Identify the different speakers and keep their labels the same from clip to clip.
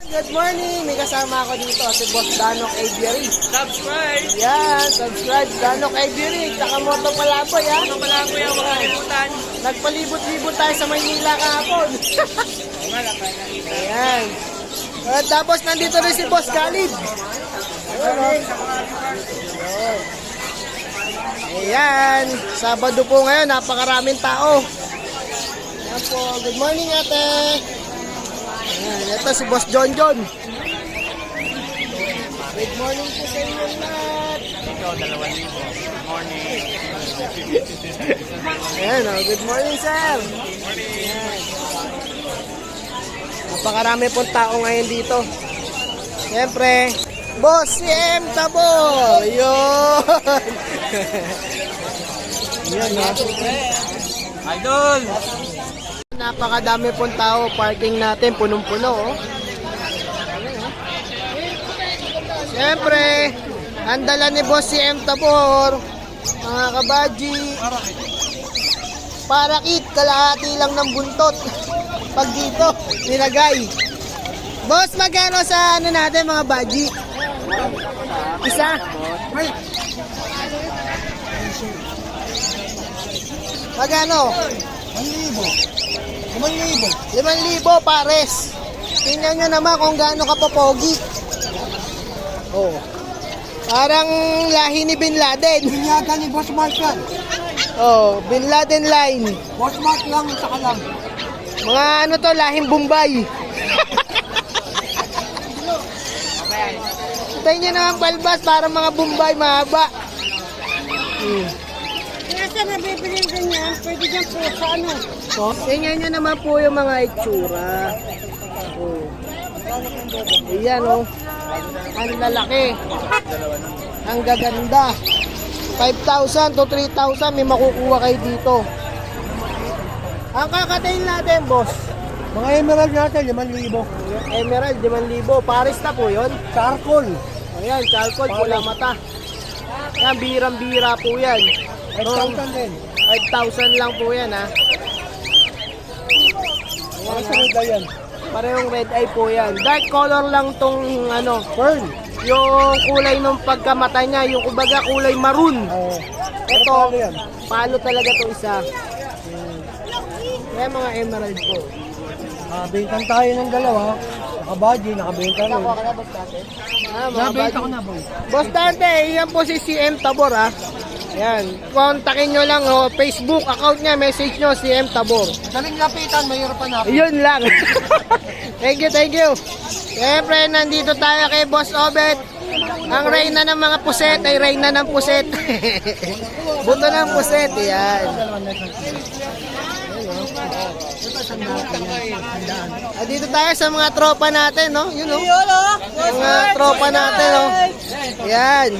Speaker 1: Good morning! May kasama ako dito si Boss Danok Aviary.
Speaker 2: Subscribe!
Speaker 1: Yan, subscribe Danok Aviary. Tsaka Moto Palaboy, ha?
Speaker 2: Ano pala ko yung mga kalimutan?
Speaker 1: Nagpalibot-libot tayo sa Maynila kahapon. Ayan. At tapos nandito rin si Boss Khalid. Ayan. Sabado po ngayon, napakaraming tao. Ayan po. Good morning, ate. Ayan, ito si Boss John John. Good morning po sa inyo lahat.
Speaker 2: Ito, 2,000. Good morning.
Speaker 1: Ayan, oh, good morning, sir. Ayan. Napakarami pong tao ngayon dito. Siyempre, Boss CM Tabor. Yun. Yan, oh.
Speaker 2: Idol!
Speaker 1: Napakadami pong tao. Parking natin, punong-puno, oh. Siyempre, ang dala ni Boss CM Tabor, mga kabadji, parakit, kalahati lang ng buntot. Pag dito, nilagay. Boss, magkano sa ano natin mga badji? Isa? Magkano? 5,000 pares. Tingnan nyo naman kung gaano ka popogi. Oh. Parang lahi ni Bin Laden.
Speaker 3: Binyaga ni Boss Mark yan.
Speaker 1: Oh, Bin Laden line.
Speaker 3: Boss Mark lang, saka lang.
Speaker 1: Mga ano to, lahing Bombay. Tayo nyo naman balbas, para mga Bombay mahaba.
Speaker 3: Kaya sa nabibili ganyan, pwede dyan po sa ano.
Speaker 1: So, tingnan nyo naman po yung mga itsura. Oh. Ayan, oh. Ang lalaki. Ang gaganda. 5,000 to 3,000 may makukuha kayo dito. Ang kakatayin natin, boss.
Speaker 3: Mga emerald natin, 5,000.
Speaker 1: Emerald, 5,000. Paris na po yun.
Speaker 3: Charcoal.
Speaker 1: Ayan, charcoal, pula mata. Yan, birang-bira po yan.
Speaker 3: 5,000 din.
Speaker 1: 5,000 lang po yan, ha.
Speaker 3: Mga sunod na yan.
Speaker 1: Parehong red eye po yan. Dark color lang tong ano,
Speaker 3: Pearl.
Speaker 1: yung kulay ng pagkamata niya, yung kumbaga kulay maroon.
Speaker 3: Oo.
Speaker 1: Ito,
Speaker 3: Ano yan?
Speaker 1: palo talaga to isa. Kaya mga emerald po.
Speaker 3: Bintang tayo ng dalawa. Naka-budgie, nakabenta rin.
Speaker 1: Nakuha ka na, Boss Dante? Ah, mga
Speaker 3: Nabenta ko
Speaker 1: buddy.
Speaker 3: na, boy.
Speaker 1: Boss Dante, yan po si CM Tabor, ha. Yan, kontakin nyo lang, oh, Facebook account niya, message nyo, CM Tabor.
Speaker 3: Daling lapitan, mayroon pa na.
Speaker 1: Yun lang. Thank you, thank you. Siyempre, nandito tayo kay Boss Obet. Ang reyna ng mga puset ay reyna ng puset. Buto ng puset, yan. Dito tayo sa mga tropa natin, no? Yun, no? Mga tropa natin, no? Yan.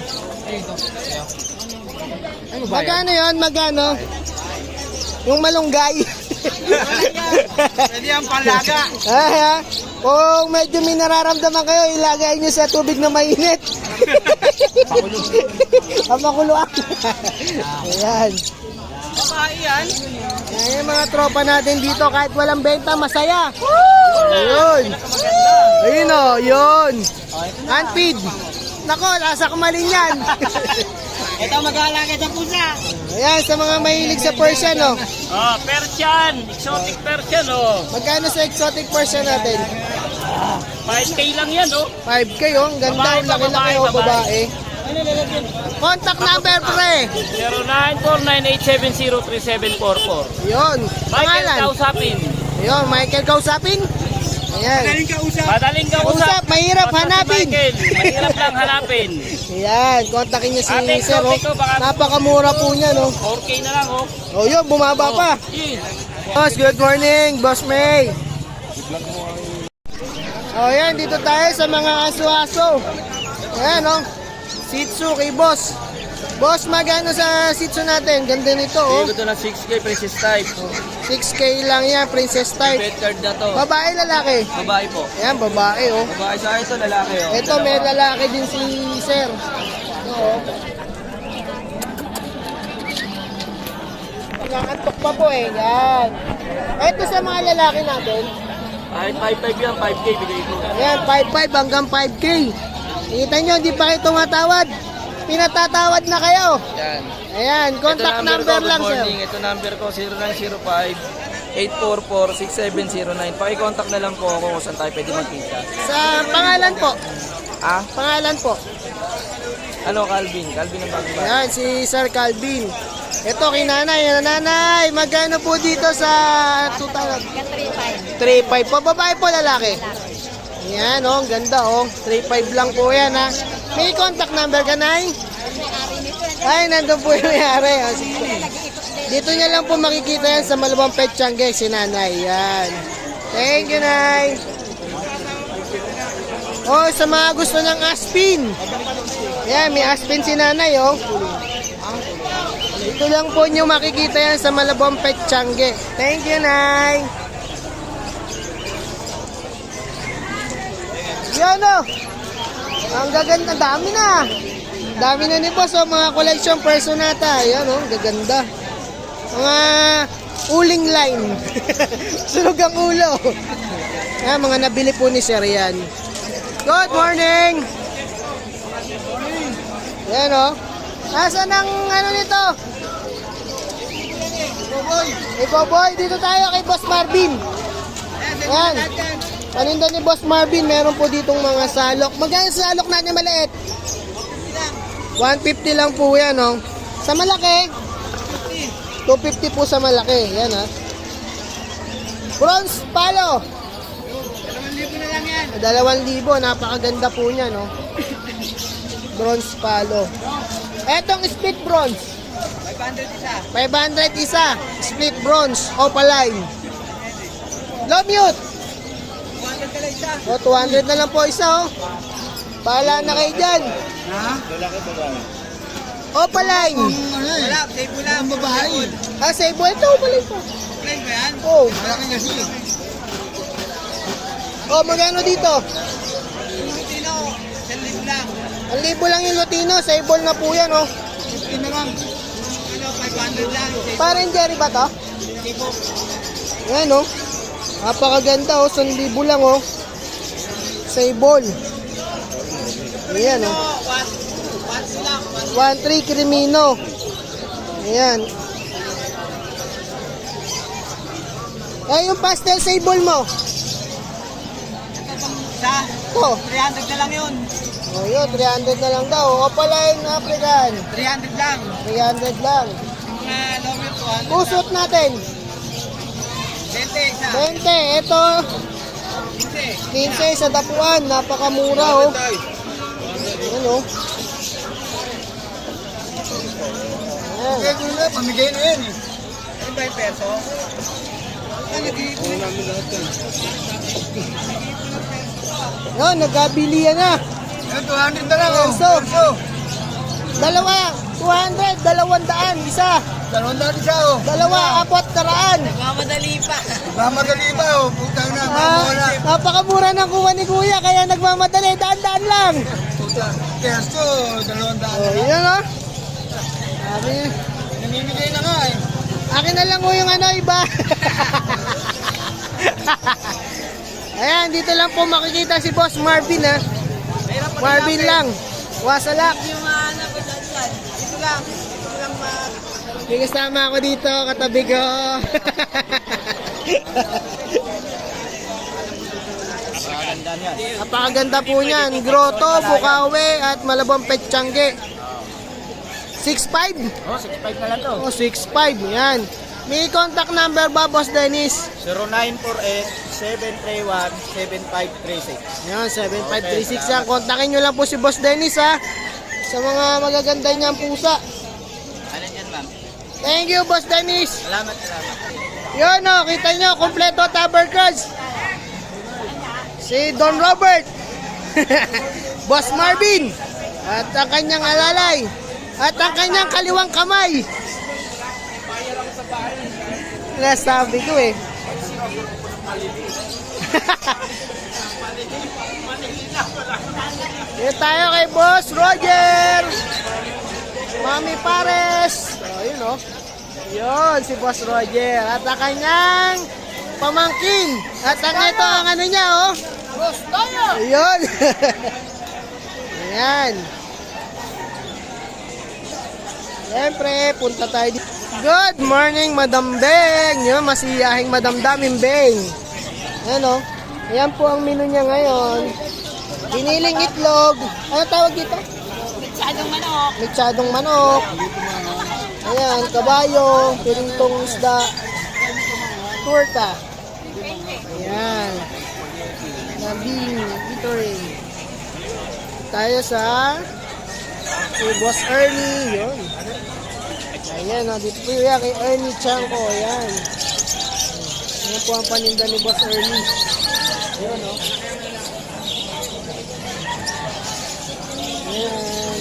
Speaker 1: Magkano yun? Magkano? Yung malunggay.
Speaker 2: Pwede yung palaga.
Speaker 1: Ah, kung medyo may nararamdaman kayo, ilagay nyo sa tubig na mainit. Ang makuluan. Ayan.
Speaker 2: Babae yan.
Speaker 1: Ayan yung mga tropa natin dito, kahit walang benta, masaya. Ayun. Ayun o, yun. Unfeed. Nako, lasa kumalin yan.
Speaker 2: Ito mag-aalaga sa pusa.
Speaker 1: Ayan, sa mga mahilig sa Persian, no?
Speaker 2: Oh, Persian. Exotic Persian, oh.
Speaker 1: Magkano sa exotic Persian natin?
Speaker 2: 5K lang yan, oh.
Speaker 1: 5K, oh. Ang ganda,
Speaker 2: Babae
Speaker 1: ang
Speaker 2: pa,
Speaker 1: laki-laki, oh,
Speaker 2: babae.
Speaker 1: babae. Contact number, pre.
Speaker 2: 094987037444.
Speaker 1: Yun.
Speaker 2: Michael
Speaker 1: Pangalan.
Speaker 2: kausapin.
Speaker 1: Yun, Michael kausapin. Ayan.
Speaker 2: Madaling kausap.
Speaker 1: Usap, mahirap
Speaker 2: Basta si
Speaker 1: hanapin.
Speaker 2: Michael, mahirap lang hanapin.
Speaker 1: Ayan, kontakin niyo si
Speaker 2: Ate,
Speaker 1: Sir, oh.
Speaker 2: exotic ko, baka-
Speaker 1: Napakamura po niya, no?
Speaker 2: 4K na lang, oh.
Speaker 1: Oh, yun, bumaba pa.
Speaker 2: Yun.
Speaker 1: Boss, good morning, Boss May. Oh, yan, dito tayo sa mga aso-aso. Ayan, oh. Shih Tzu kay Boss. Boss, magano sa Shih Tzu natin? Ganda nito, oh.
Speaker 2: Ito na 6K princess type.
Speaker 1: 6K lang yan, princess type.
Speaker 2: Pet card na to.
Speaker 1: Babae, lalaki?
Speaker 2: Babae po.
Speaker 1: Ayan, babae, oh.
Speaker 2: Babae sa ito, lalaki, oh.
Speaker 1: Ito, may lalaki din si Sir. Oo. Nakakantok pa po, eh. Yan. Ito sa mga lalaki natin.
Speaker 2: Kahit 5.5 yan, 5K bigay ko.
Speaker 1: Ayan, 5.5 hanggang 5K. Kita nyo, hindi pa kayo tumatawad. Pinatatawad na kayo.
Speaker 2: Yan.
Speaker 1: Ayan, contact
Speaker 2: Ito
Speaker 1: number
Speaker 2: ko,
Speaker 1: lang,
Speaker 2: good
Speaker 1: sir.
Speaker 2: morning. Ito number ko, 0905-844-6709. Paki-contact na lang po ako kung saan tayo pwede magkita.
Speaker 1: Sa pangalan po.
Speaker 2: Ah?
Speaker 1: Pangalan po.
Speaker 2: Ano, Calvin? Calvin ang bago ba?
Speaker 1: Ayan, si Sir Calvin. Ito, kay nanay. Nanay, magkano po dito sa 2,000? 3.5 po. Babae po, lalaki? Ayan, oh, ang ganda, oh. 3.5 lang po yan, ha. May contact number ka, Nay? Ay, nandun po yung may-ari. Oh, sige. Dito niya lang po makikita yan sa Malabang Petchange, si Nanay. Yan. Thank you, Nay. Oh, sa mga gusto ng aspin. Yan, may aspin si Nanay, oh. Dito lang po niyo makikita yan sa Malabang Petchange. Thank you, Nay. Yan, oh. Ang gaganda, dami na. Dami na ni boss, oh, mga collection personata. Yan, oh, gaganda. Mga uling line. Sunog ang ulo. Yan, mga nabili po ni Sir yan. Good morning. Yan, oh. Nasaan ang ano nito? Boboy, dito tayo kay Boss Marvin. Yan. Paninda ni Boss Marvin, meron po ditong mga salok. Magkano sa salok natin maliit? 150 lang po yan, oh. Sa malaki? 250 po sa malaki. Yan, ha. Bronze palo. 2,000 na lang yan. 2,000. Napakaganda po niya, no. Bronze palo. Etong split bronze. 500 isa. Split bronze. Opaline. Low mute. 200 na lang po isa, oh. Bahala na kayo dyan.
Speaker 3: Ha?
Speaker 1: Opaline.
Speaker 3: Wala, save lang ang babae.
Speaker 1: Ah, save ito. Opaline po.
Speaker 3: Plain ba yan?
Speaker 1: Oh.
Speaker 3: Malaki kasi.
Speaker 1: Oh, magkano dito?
Speaker 3: Lutino, 1,000 lang.
Speaker 1: 1,000 lang yung Lutino. Sable na po yan, oh.
Speaker 3: 50 na lang. Ano, 500 lang.
Speaker 1: Parang Jerry ba to? Yan, oh. Napakaganda, oh. 1,000 lang, oh. Sable. Ayan, oh. 1,3 Crimino. Ayan. Ay, yung pastel sable mo.
Speaker 3: Sa
Speaker 1: Ito.
Speaker 3: 300 na lang yun.
Speaker 1: Oh, yun. 300 na lang daw. Opaline African.
Speaker 3: 300 lang.
Speaker 1: 300 lang.
Speaker 3: Mga lower 200.
Speaker 1: Kusot natin.
Speaker 3: 20 isa.
Speaker 1: 20. Ito. 15 sa dapuan. Napakamura, oh. Ayan, oh. Ayan.
Speaker 3: Gula, pamigay na yan eh. Ano ba yung peso?
Speaker 1: Yun, nagkabilihan na.
Speaker 3: Yan, 200 na lang.
Speaker 1: Peso. Dalawa. 200. 200. Isa.
Speaker 3: 200 isa oh.
Speaker 1: Dalawa. 400.
Speaker 3: Mamadali pa oh. Putang na,
Speaker 1: Ah,
Speaker 3: mamula.
Speaker 1: napakamura ng kuha ni Kuya. Kaya nagmamadali. Daan-daan lang.
Speaker 3: Putang. Peso, 200
Speaker 1: Oh, yan, oh. Sabi,
Speaker 3: namimigay na nga eh.
Speaker 1: akin na lang, oh, yung ano, iba. Ayan, dito lang po makikita si Boss Marvin, ha. Marvin lang. Wasalak.
Speaker 3: Yung ano ko dyan. Ito lang. Ito lang
Speaker 1: May kasama ako dito, katabi ko. Napakaganda po niyan. Grotto, Bukawi, at Malabang Petchange. 6'5"?
Speaker 2: Oh, 6.5 na lang to.
Speaker 1: O, 6'5". Yan. May contact number ba, Boss Dennis?
Speaker 2: 0948-731-7536.
Speaker 1: Yan, 7536 yan. Kontakin nyo lang po si Boss Dennis, ha. Sa mga magaganda niyang pusa.
Speaker 2: Ano yan, ma'am?
Speaker 1: Thank you, Boss Dennis.
Speaker 2: Salamat.
Speaker 1: Yun, o, kita nyo, kompleto Tabercrans. Si Don Robert. Boss Marvin. At ang kanyang alalay. At ang kanyang kaliwang kamay. Nasabi ko eh. Dito tayo kay Boss Roger. Mami Pares. Oh, yun oh. Yun, si Boss Roger. At ang kanyang pamangkin. At ang ito ang ano niya, oh. Ayun. Ayan. Siyempre, punta tayo dito. Good morning, Madam Beng. Yun, masiyahing Madam Daming Beng. Ayan, oh. Ayan po ang menu niya ngayon. Giniling itlog. Ano tawag dito?
Speaker 4: Mixadong manok.
Speaker 1: Mixadong manok. Ayan, kabayo, pirintong isda, turta. Ayan. Nabing, ito rin. Tayo sa kay Boss Ernie, yun. Ayan, dito po yan kay Ernie Chanko, ayan. Ayan po ang paninda ni Boss Ernie. Ayan, o. Ayan.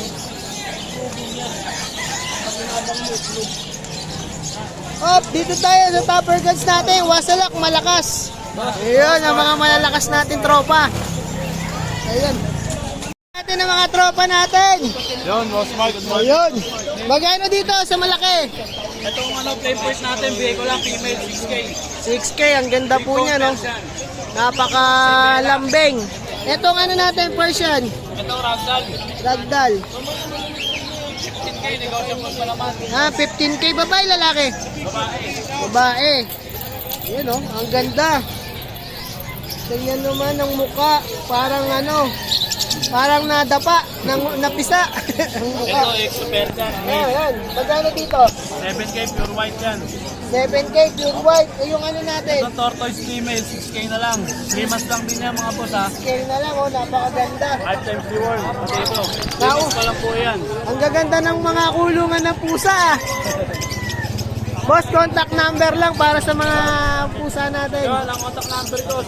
Speaker 1: Op, dito tayo sa topper guns natin. Wasalak, malakas. Ayun, ang mga malalakas natin tropa. Ayun. Natin ang mga tropa natin.
Speaker 3: Yun, Boss Mark.
Speaker 1: Ayun. Magkano dito sa malaki?
Speaker 2: Itong plain first natin, bigay ko lang female 6K.
Speaker 1: 6K, ang ganda po niya, no? Napakalambing. Itong ano natin, Persian.
Speaker 2: Ito, ragdoll.
Speaker 1: Ragdoll.
Speaker 2: 15K, negotiable pa naman.
Speaker 1: 15K, babae, lalaki?
Speaker 2: Babae.
Speaker 1: Babae. Yun, oh, ang ganda. Ganyan naman ang muka. Parang ano, parang nadapa, napisa. Ang muka.
Speaker 2: Ito, extra dyan.
Speaker 1: Ayan, magkano dito?
Speaker 2: 7K, pure white yan.
Speaker 1: 7K, pure white. Eh, yung ano natin?
Speaker 2: Ito, tortoise female, 6K na lang. 3 months lang din yan mga boss ha.
Speaker 1: Scale na lang, oh, napakaganda.
Speaker 2: 5 times reward. Pati ito. 3
Speaker 1: Now,
Speaker 2: months pa lang po yan.
Speaker 1: ang gaganda ng mga kulungan ng pusa. Boss, contact number lang para sa mga pusa natin.
Speaker 2: Yun, ang contact number ko,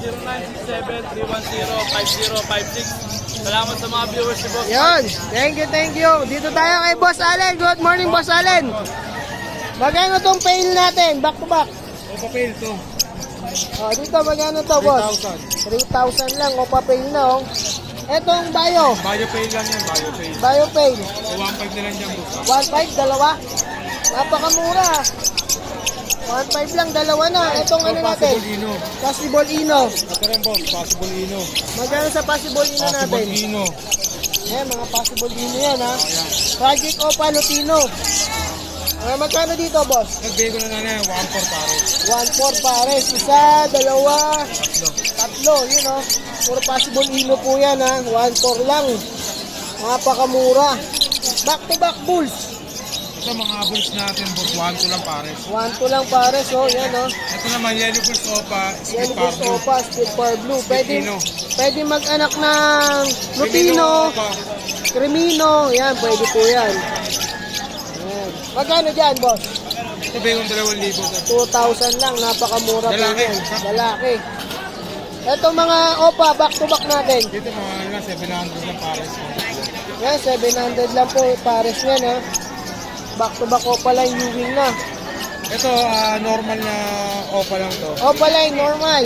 Speaker 2: 0967-310-5056. Salamat sa mga viewers ni boss.
Speaker 1: Yun, thank you. Dito tayo kay Boss Allen. Good morning, Boss Allen. Magkano tong pail natin? Back to back.
Speaker 3: O papel to.
Speaker 1: Oh, dito magkano to, Boss? 3,000 lang. O, papail na, oh. Etong bio.
Speaker 3: Bio pay lang yan, bio pay.
Speaker 1: Bio pail.
Speaker 3: O 1.5 na lang dyan, boss.
Speaker 1: 1.5, dalawa. Napakamura. 1.5 lang, dalawa na. Etong ano natin?
Speaker 3: Possible Ino.
Speaker 1: Possible Ino.
Speaker 3: Ito rin, boss. Possible Ino.
Speaker 1: Magkano sa Possible Ino natin?
Speaker 3: Possible Ino.
Speaker 1: Ayan, mga Possible Ino yan, ha. Project Opa Lutino. Magkano dito, boss?
Speaker 3: Nagbigay ko na yan, 1.4 pare.
Speaker 1: 1.4 pares. Isa, dalawa, tatlo. Yun, oh. Puro Possible Ino po yan, ha. 1.4 lang. Napakamura. Back to back bulls.
Speaker 3: Ito mga bulls natin, boss. 1.2 lang pare.
Speaker 1: 1.2 lang pares, oh. Yan, oh.
Speaker 3: Ito naman, yellow bulls opa,
Speaker 1: Yan
Speaker 3: split
Speaker 1: po
Speaker 3: pablo.
Speaker 1: Opa, Split Power Blue. Pwede,
Speaker 3: Lutino.
Speaker 1: pwede mag-anak ng Lutino,
Speaker 3: Opa.
Speaker 1: Crimino. Yan, pwede po yan. Yan. Magkano dyan, boss?
Speaker 3: Ito bigay kong 2,000.
Speaker 1: 2,000 lang. Napakamura po
Speaker 3: Lalaki.
Speaker 1: yan. Lalaki. Ito mga Opa, back to back natin.
Speaker 3: Dito mga ano lang, 700 lang pare.
Speaker 1: Yan, 700 lang po pares yan, ha. Back to back Opa line, Ewing na.
Speaker 3: Ito, normal na opa lang to.
Speaker 1: Opa line, normal.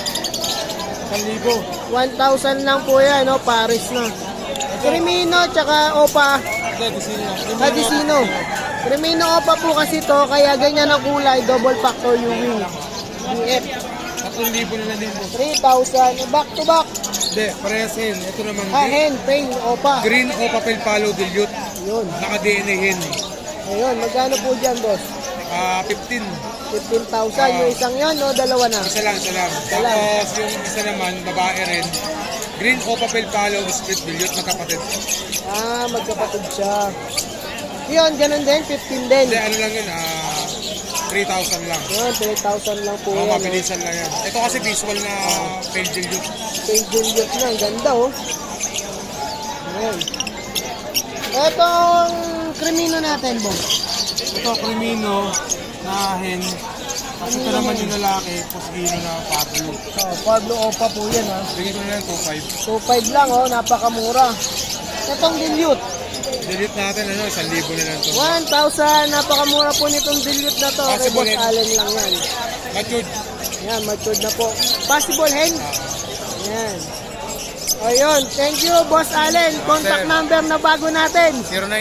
Speaker 3: 1,000.
Speaker 1: 1,000 lang po yan, no? Pares na. Crimino, tsaka Opa. Hadisino. Crimino Opa po kasi to, kaya ganyan ang kulay, double factor Ewing. BF.
Speaker 3: 3,000 na lang din po.
Speaker 1: 3,000. Back to back.
Speaker 3: Hindi, parehas hen. Ito naman,
Speaker 1: Hen, pain, Opa.
Speaker 3: green o papel palo dilute.
Speaker 1: Yun.
Speaker 3: Naka-DNA hen.
Speaker 1: Ayun, magkano po dyan, boss?
Speaker 3: 15.
Speaker 1: 15,000. Yung isang yon, no? Dalawa na.
Speaker 3: Isa lang, isa lang. Tapos yung isa naman, babae rin. Green o papel palo, split dilute, magkapatid.
Speaker 1: Magkapatid siya. Yun, ganun din, 15 din.
Speaker 3: Hindi, ano lang yun, 3,000 lang.
Speaker 1: Yun, 3,000 lang po
Speaker 3: Oo,
Speaker 1: yan.
Speaker 3: mabilisan lang yan. Ito kasi visual na pale dilute.
Speaker 1: Kay Juliet na, ang ganda, oh. Ayan. Etong Crimino natin, boss.
Speaker 3: Ito, Crimino na hen. Kasi ito naman yung lalaki, Posgino na Pablo.
Speaker 1: Pablo Opa po yan, ha.
Speaker 3: Bigay ko na lang 2,500.
Speaker 1: 2.5 lang, oh, napakamura. Etong dilute,
Speaker 3: Delete natin, 1,000 na lang to.
Speaker 1: 1,000, napakamura po nitong dilute na to. Kay
Speaker 3: Possible
Speaker 1: Boss
Speaker 3: hen.
Speaker 1: Allen lang yan.
Speaker 3: Matured.
Speaker 1: Yan, matured na po. Possible hen. Yan. Ayun, thank you, Boss Allen. Contact
Speaker 3: sir.
Speaker 1: number na bago natin.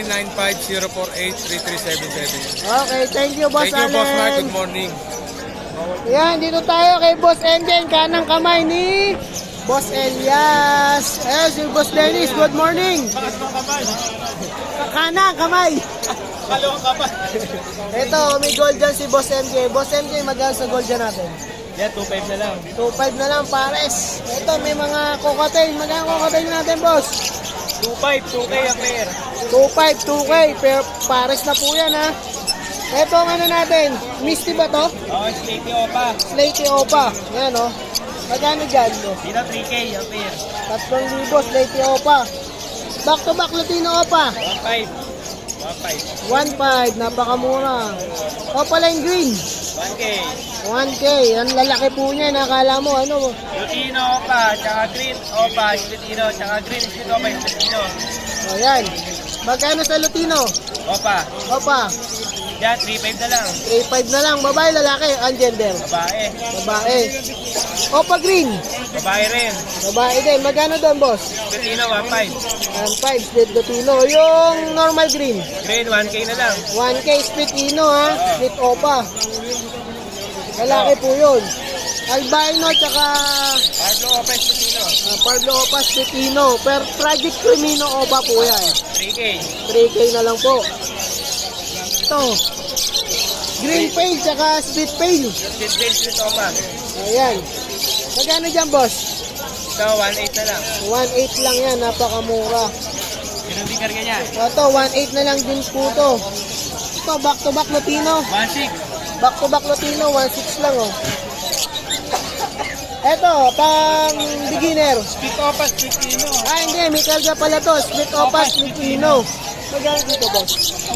Speaker 3: 0995-048-3377.
Speaker 1: Okay, thank you, Boss
Speaker 3: Thank you,
Speaker 1: Allen.
Speaker 3: Boss Mark. Good morning.
Speaker 1: Yan, dito tayo kay Boss MJ, kanang kamay ni Boss Elias. Eh, si Boss Dennis, good morning. Kanang kamay.
Speaker 3: Kalawang kapal.
Speaker 1: Ito, may gold dyan si Boss MJ. Boss MJ, magkano sa gold dyan natin?
Speaker 3: Yan, 2.5 na lang.
Speaker 1: 2.5 na lang, pares. Ito, may mga cocktail. Magkano cocktail natin, boss?
Speaker 3: 2.5, 2K ang pair.
Speaker 1: 2.5, 2K. Pero pares na po yan, ha? Ito, ang ano natin? Misty ba to?
Speaker 3: Oo, Slaty Opa.
Speaker 1: Slaty Opa. Yan, oh. Magkano dyan, no?
Speaker 3: Dito 3K ang pair.
Speaker 1: 3,000, Slaty Opa. Back to back, Latino Opa.
Speaker 3: 1.5.
Speaker 1: 1.5, napakamura. Opaline Green.
Speaker 3: 1K.
Speaker 1: 1K. Ang lalaki po niya, nakala mo, ano?
Speaker 3: Lutino Opa, tsaka Green Opa, Lutino, tsaka Green Split Opa, Lutino.
Speaker 1: O, yan. Magkano sa Latino?
Speaker 3: Opa.
Speaker 1: Opa.
Speaker 3: Yan, 3.5 na lang.
Speaker 1: 3.5 na lang. Babae, lalaki, ang gender.
Speaker 3: Babae.
Speaker 1: Babae. Opa Green.
Speaker 3: Babae rin.
Speaker 1: Babae din. Magkano doon, boss?
Speaker 3: Lutino, 1.5.
Speaker 1: 1.5, split Latino. Yung normal green.
Speaker 3: Green, 1K na lang.
Speaker 1: 1K, split Ino, ha? Split Opa. Lalaki po yun. Albino, tsaka
Speaker 3: Pablo Opa, Lutino.
Speaker 1: Pablo Opa, split Ino. Per Project Crimino Opa po yan.
Speaker 3: 3K.
Speaker 1: 3K na lang po. Ito. Green Pale, tsaka split Pale.
Speaker 3: Split Pale, Split Opa.
Speaker 1: Ayan. Magkano dyan, boss?
Speaker 3: So, 1.8 na lang.
Speaker 1: 1.8 lang yan, napakamura.
Speaker 3: Ganun din karga niya.
Speaker 1: Ito, 1.8 na lang din po to. Ito, back to back Latino.
Speaker 3: 1.6.
Speaker 1: Back to back Latino, 1.6 lang, oh. Ito, pang beginner.
Speaker 3: Split Opa, Split Ino.
Speaker 1: Ah, hindi, may kalga pala to. Split Opa, split Ino. Magkano dito, boss?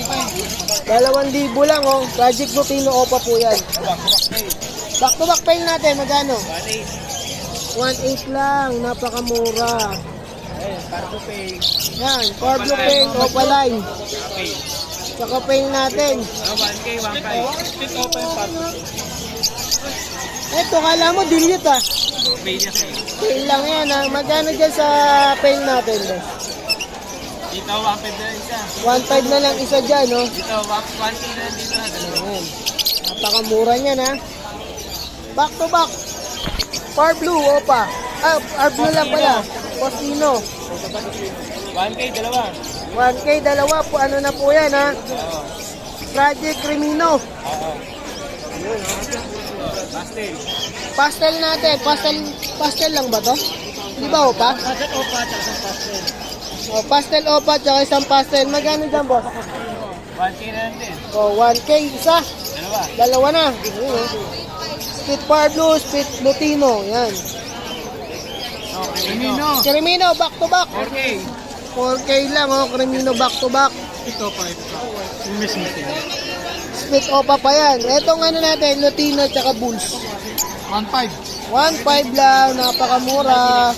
Speaker 1: 2,000 lang, oh. Project Latino Opa po yan. Back to back pail natin, magkano?
Speaker 3: 1.8.
Speaker 1: 1.8 lang, napakamura.
Speaker 3: Ayun, Pardo Pay.
Speaker 1: Yan, Pablo Pail, Opa Line.
Speaker 3: Okay.
Speaker 1: Saka pail natin.
Speaker 3: 1K, 1.5. Split Opa yung Pardo Pay.
Speaker 1: Eto, kala mo, dilute ah.
Speaker 3: Pay niya sa'yo.
Speaker 1: Pail lang yan ah. Magkano dyan sa pail natin, boss?
Speaker 3: Dito, 1.5 na lang isa.
Speaker 1: 1.5 na lang isa dyan, no?
Speaker 3: Dito, 1K na lang dito.
Speaker 1: Ayan. Napakamura niyan, ha? Back to back. Par Blue, Opa. Ah, Par Blue lang pala. Postino.
Speaker 3: 1K, dalawa.
Speaker 1: 1K, dalawa po. Ano na po yan, ha?
Speaker 3: Oo.
Speaker 1: Project Crimino.
Speaker 3: Oo. Pastel.
Speaker 1: Pastel natin. Pastel lang ba to? Di ba, Opa?
Speaker 3: Pastel Opa, tsaka pastel.
Speaker 1: O, pastel, Opa, tsaka isang pastel. Magkano dyan, boss?
Speaker 3: 1K na lang din.
Speaker 1: O, 1K, isa.
Speaker 3: Dalawa.
Speaker 1: Dalawa na. Ayun, oh. Split Par Blue, split Lutino. Yan.
Speaker 3: Oh, Crimino.
Speaker 1: Crimino, back to back.
Speaker 3: 4K.
Speaker 1: 4K lang, oh. Crimino, back to back.
Speaker 3: Ito pa, ito pa. Yung mismo sila.
Speaker 1: Split Opa pa yan. Etong ano natin, Lutino tsaka Bulls.
Speaker 3: 1.5.
Speaker 1: 1.5 lang, napakamura.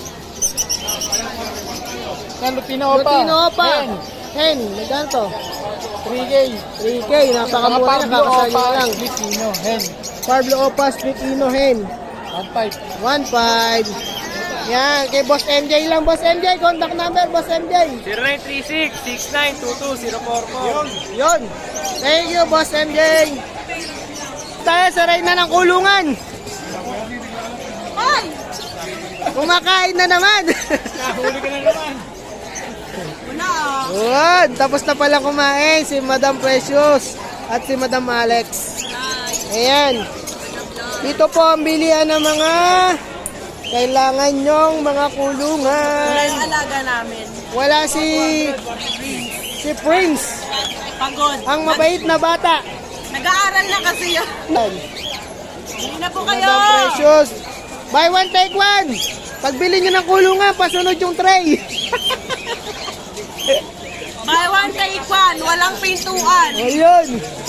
Speaker 3: Lutino
Speaker 1: Lutino Opa. Hen, magkano to?
Speaker 3: 3K.
Speaker 1: 3K, napakamura na, kakasal nyo lang.
Speaker 3: Lutino, hen.
Speaker 1: Pablo Opa, Split Ino Hen.
Speaker 3: 1.5.
Speaker 1: 1.5. Yan, kay Boss MJ lang. Boss MJ, contact number, Boss MJ.
Speaker 3: 0936-6922-044.
Speaker 1: Yon. Thank you, Boss MJ. Tayo sa Reyna ng Kulungan.
Speaker 4: Ay!
Speaker 1: Kumakain na naman.
Speaker 3: Nahuli ka na naman.
Speaker 4: Wala ah.
Speaker 1: Good. Tapos na pala kumain si Madam Precious at si Madam Alex. Ayan. Dito po ang bilihan ng mga kailangan nyong mga kulungan.
Speaker 4: Ang alaga namin.
Speaker 1: Wala si Prince.
Speaker 4: Pagod.
Speaker 1: Ang mabait na bata.
Speaker 4: Nag-aaral na kasi yun. Hindi na po kayo.
Speaker 1: Madam Precious. Buy one, take one. Pagbili nyo ng kulungan, pasunod yung tray.
Speaker 4: Buy one, take one. Walang pintuan.
Speaker 1: Ayun.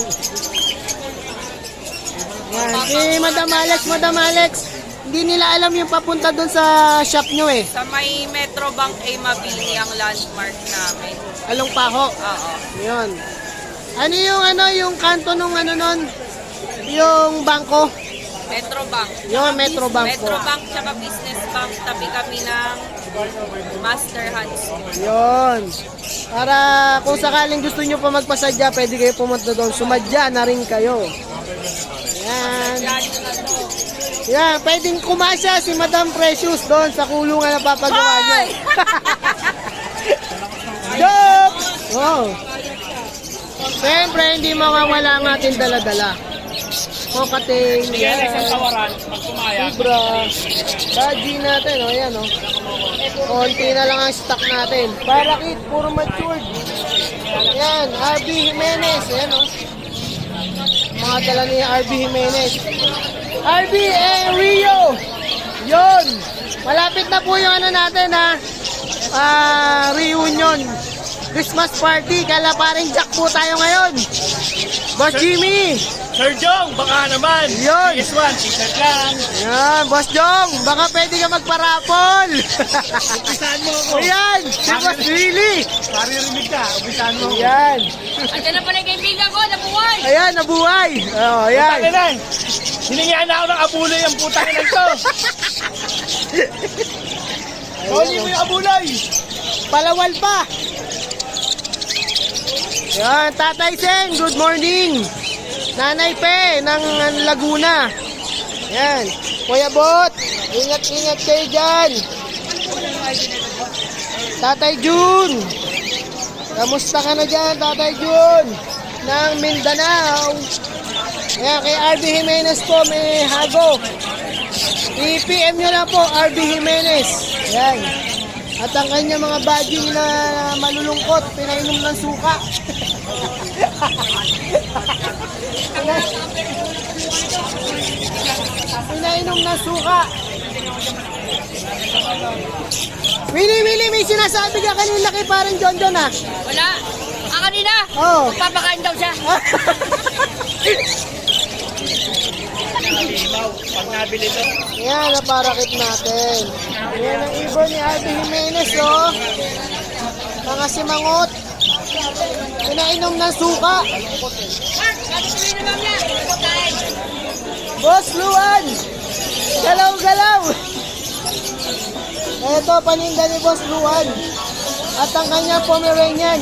Speaker 1: Yan. Si Madam Alex, hindi nila alam yung papunta doon sa shop nyo eh.
Speaker 4: Sa may Metrobank ay Mabini ang landmark namin.
Speaker 1: Along Paho.
Speaker 4: Oo.
Speaker 1: Yun. Yung kanto nung nun? Yung bangko.
Speaker 4: Metrobank.
Speaker 1: Yun, Metrobank po.
Speaker 4: Metrobank tsaka Business Bank. Tabi kami ng Master Hands.
Speaker 1: Yun. Para kung sakaling gusto nyo pa magpasadya, pwede kayo pumunta doon. Sumadya na rin kayo. Yan. Yan, pwedeng kumasya si Madam Precious doon sa kulungan na papagawa niya. Joke! Oh. Siyempre, hindi mawawala ang ating dala-dala. Kokating, yan. Libra. Baji natin, o yan, o. Konti na lang ang stock natin. Parakit, puro matured. Yan, RB Jimenez, yan, o. Mga dala ni RB Jimenez. RB Rio! Yun! Malapit na po yung ano natin, ha. Reunion. Christmas party. Kala paring Jack po tayo ngayon. Boss Jimmy!
Speaker 3: Sir Jong, baka naman.
Speaker 1: Yun.
Speaker 3: PS1, t-shirt lang.
Speaker 1: Yan, Boss Jong, baka pwede ka magparapol.
Speaker 3: Umpisahan mo ako.
Speaker 1: Ayan, si Boss Willie.
Speaker 3: Maririnig ka, umpisahan mo ako.
Speaker 1: Ayan.
Speaker 4: Andiyan na pala yung kaibigan ko, nabuhay!
Speaker 1: Ayan, nabuhay. Oh, ayan.
Speaker 3: Putang ina. Hiningaan na ako ng abuloy ang putang ina to. Huli mo yung abuloy.
Speaker 1: Palawal pa. Ayan, Tatay Sen, good morning. Nanay Pe ng Laguna. Ayan. Kuya Bot, ingat-ingat kayo dyan. Tatay Jun. Kamusta ka na dyan, Tatay Jun? Ng Mindanao. Ayan, kay RB Jimenez po, may hago. I-PM nyo lang po, RB Jimenez. Ayan. At ang kanya mga badging na malulungkot, pinainom ng suka. Pinainom ng suka. Willie, may sinasabi ka kanina kay parang John John, ha?
Speaker 4: Wala! Kanina!
Speaker 1: Oh.
Speaker 4: Papakain daw siya!
Speaker 3: Pag nabili to.
Speaker 1: Yan, naparakit natin. Yan ang ibon ni RB Jimenez, oh. Mga simangot. Pinainom ng suka. Boss Luan! Galaw-galaw! Ito, paninda ni Boss Luan. At ang kanyang Pomeranian.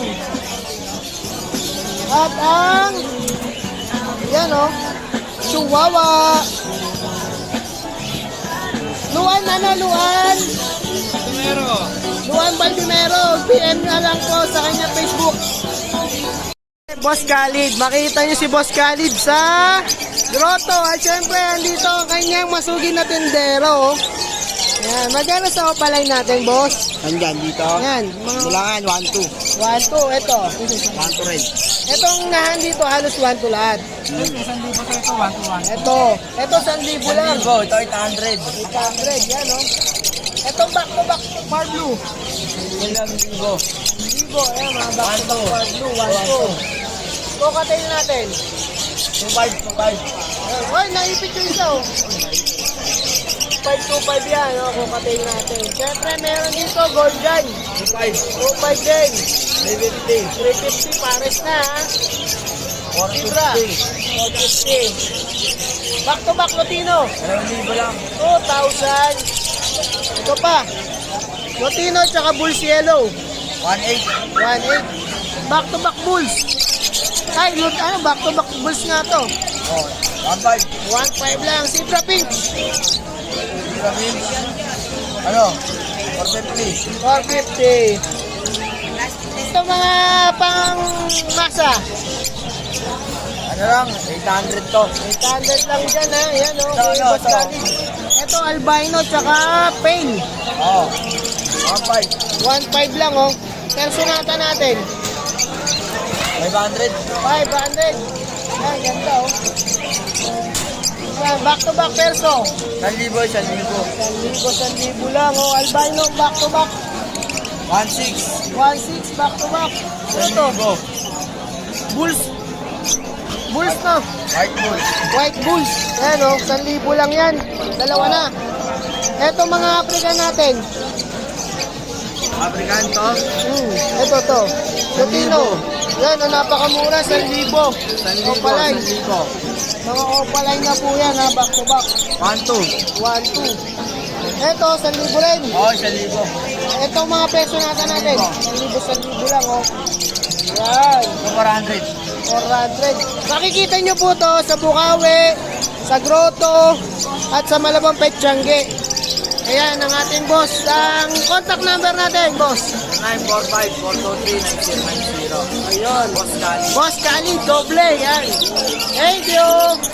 Speaker 1: At ang... Yan, oh. Chihuahua. Luan, Luan. Luan Baldimero. PM na lang po sa kanyang Facebook. Boss Khalid. Makita niyo si Boss Khalid sa grotto. At syempre, andito ang kanyang masugid na tindero. Yan. Magkano sa opalay natin, boss?
Speaker 5: Andyan dito.
Speaker 1: Yan. Mga
Speaker 5: Bulangan, 1-2.
Speaker 1: 1, 2. Ito.
Speaker 5: 1-2 rin.
Speaker 1: Itong nahan dito, halos 1 to lahat. Ito. Ito, 1,000 lang.
Speaker 2: Ito 800.
Speaker 1: 800. Yan, oh. Itong back-to-back far blue.
Speaker 2: Libo.
Speaker 1: Libo. Ayan, mga back-to-back far blue. 1, 2. Cocktail natin.
Speaker 2: 25.
Speaker 1: Ayan. Oy, naipit yung isa, oh. 525 yan, oh. Cocktail natin. Siyempre, meron dito, gold dyan. 25 din. 350. Pares na, ha. Libra. 450. Back-to-back Lotino.
Speaker 2: 2,000 lang.
Speaker 1: 2,000. Ito pa. Lotino tsaka Bulls Yellow.
Speaker 2: 1,800.
Speaker 1: 1,800. Back-to-back Bulls. Ay, back-to-back Bulls nga to.
Speaker 2: Oh, 1,500.
Speaker 1: 1,500 lang. Zebra Pink.
Speaker 2: Ano? 450.
Speaker 1: 450. Ito mga pang masa.
Speaker 2: Ano lang? 800 to.
Speaker 1: 800 lang dyan, ha. Yan, oh.
Speaker 2: Ito,
Speaker 1: Kay
Speaker 2: ano,
Speaker 1: Boss
Speaker 2: ito.
Speaker 1: Khalid. Ito, albino tsaka pain.
Speaker 2: Oo. 1,500.
Speaker 1: 1,500 lang, oh. Personata natin.
Speaker 2: 500.
Speaker 1: 500. Yan, ganda, oh. Yan, back-to-back perso.
Speaker 2: 1,000.
Speaker 1: 1,000 lang, oh. Albino, back-to-back.
Speaker 2: 1,600.
Speaker 1: 1,600, back-to-back. Ano to? Bulls. Bulls na.
Speaker 2: White bull.
Speaker 1: White Bulls. Ayan, oh. 1,000 lang yan. Dalawa na. Eto mga African natin.
Speaker 2: African to.
Speaker 1: Ito to. Lutino. Yan, oh, napakamura. 1,000.
Speaker 2: 1,000.
Speaker 1: Opalay.
Speaker 2: 1,000.
Speaker 1: Mga opalay na po yan, ha. Back-to-back.
Speaker 2: 1,200.
Speaker 1: 1,200. Eto, 1,000 rin.
Speaker 2: Oo, 1,000.
Speaker 1: Ito mga peso natin. 1,000 lang, oh. Yan.
Speaker 2: 400.
Speaker 1: 400. Makikita nyo po to sa Bukawi, sa Grotto, at sa Malabang Petsyangge. Ayan ang ating boss. Ang contact number natin, boss.
Speaker 2: 945-423-9090.
Speaker 1: Ayun.
Speaker 2: Boss Kali.
Speaker 1: Boss Kali, doble. Yan. Thank you.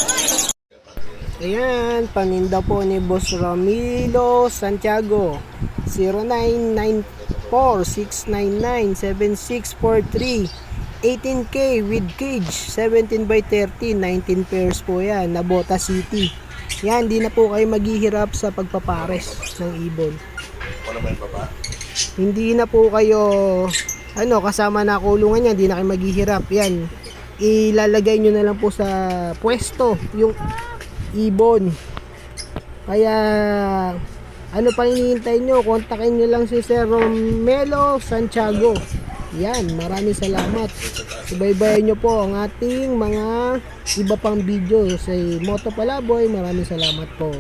Speaker 1: Ayan, paninda po ni Boss Ramilo Santiago. 0994-699-7643. 18K with cage, 17 by 30, 19 pairs po yan, Nabota City. Yan, di na po kayo maghihirap sa pagpapares ng ibon. Hindi na po kayo, kasama na kulungan yan, di na kayo maghihirap. Yan, ilalagay nyo na lang po sa pwesto, yung ibon. Kaya, ano pa hinihintay nyo? Kontakin nyo lang si Sir Romelo Santiago. Yan, maraming salamat. Subaybayan nyo po ang ating mga iba pang video sa Moto Palaboy. Maraming salamat po.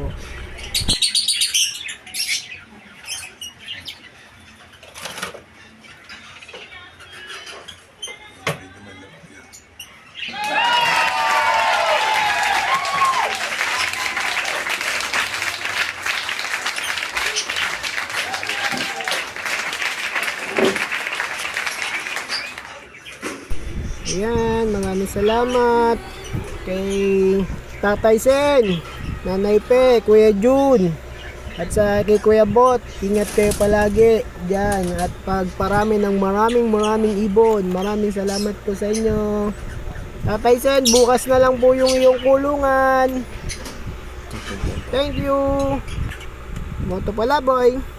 Speaker 1: Ayan, maraming salamat kay Tatay Sen, Nanay Pe, Kuya Jun, at sa kay Kuya Bot. Ingat kayo palagi dyan at pagparami ng maraming ibon. Maraming salamat po sa inyo. Tatay Sen, bukas na lang po yung iyong kulungan. Thank you. Moto Palaboy.